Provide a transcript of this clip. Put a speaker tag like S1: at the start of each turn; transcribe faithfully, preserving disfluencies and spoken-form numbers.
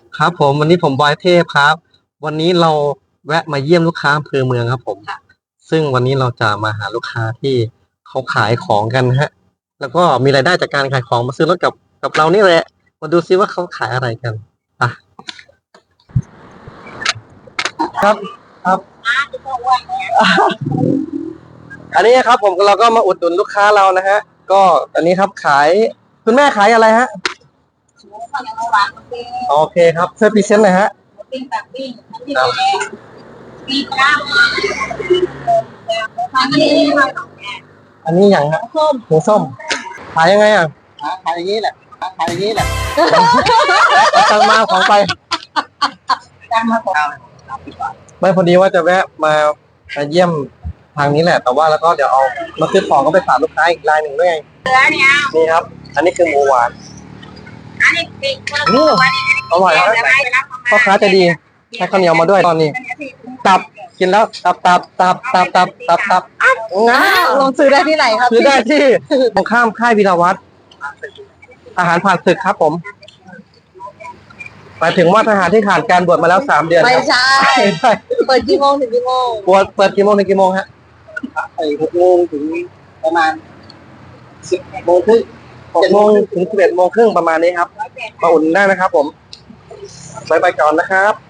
S1: ครับผมวันนี้ผมบอยเทพครับวันนี้เราแวะมาเยี่ยมลูกค้าอำเภอเมืองครับผมซึ่งวันนี้เราจะมาหาลูกค้าที่เขาขายของกันฮะแล้วก็มีรายได้จากการขายของมาซื้อรถกับกับเรานี่แหละมาดูซิว่าเขาขายอะไรกันอ่ะครับครับอันนี้ครับผมเราก็มาอุดหนุนลูกค้าเรานะฮะก็อันนี้ครับขายคุณแม่ขายอะไรฮะโอเคครับช่วยพรีเซนต์หน่อยฮะ
S2: ปิ้งแบบปิ้งน้ำพริกแดงปิ้งปลาอันนี้
S1: อันนี้อย่างฮะ
S2: ส้ม
S1: หมูส้มขายยังไงอ่ะขายอย่างนี้แหละขายอย่างนี้แหละตังมาของไป
S2: จานมาของ
S1: ไม่พอดีว่าจะแวะมามาเยี่ยมทางนี้แหละแต่ว่าแล้วก็เดี๋ยวเอามาซื้อของก็ไปฝากลูกค้าอีกรายหนึ่งด้วยไง
S2: เนื้อเนี่ย
S1: นี่ครับ อันนี้คือหมูหวาน
S2: อันนี้ปิ้ง
S1: นี่อร่อยนะพ่อค้าจะดีให้ข้าวเหนียวมาด้วยตอนนี้ ตับกินแล้วตับตับตับตับตับตับตับ
S2: ง้าลงซื้อได้ที่ไหนครับ
S1: ซื้อได้ที่ตรงข้ามค่ายวีรวัตรอาหารผ่านศึกครับผมหมายถึงว่าทหารที่ขาดการบวชมาแล้วสามเดือน
S2: ไม่ใช่เปิดกี่โมงถึงกี่โมง
S1: บวชเปิดกี่โมงถึงกี่โมงฮะ
S2: ไอ้หกโมงถึงประมาณสิบโมงครึ่ง
S1: หกโมงถึงสิบเอ็ดโมงครึ่งประมาณนี้ครับมาอุ่นได้นะครับผมไปไปก่อนนะครับ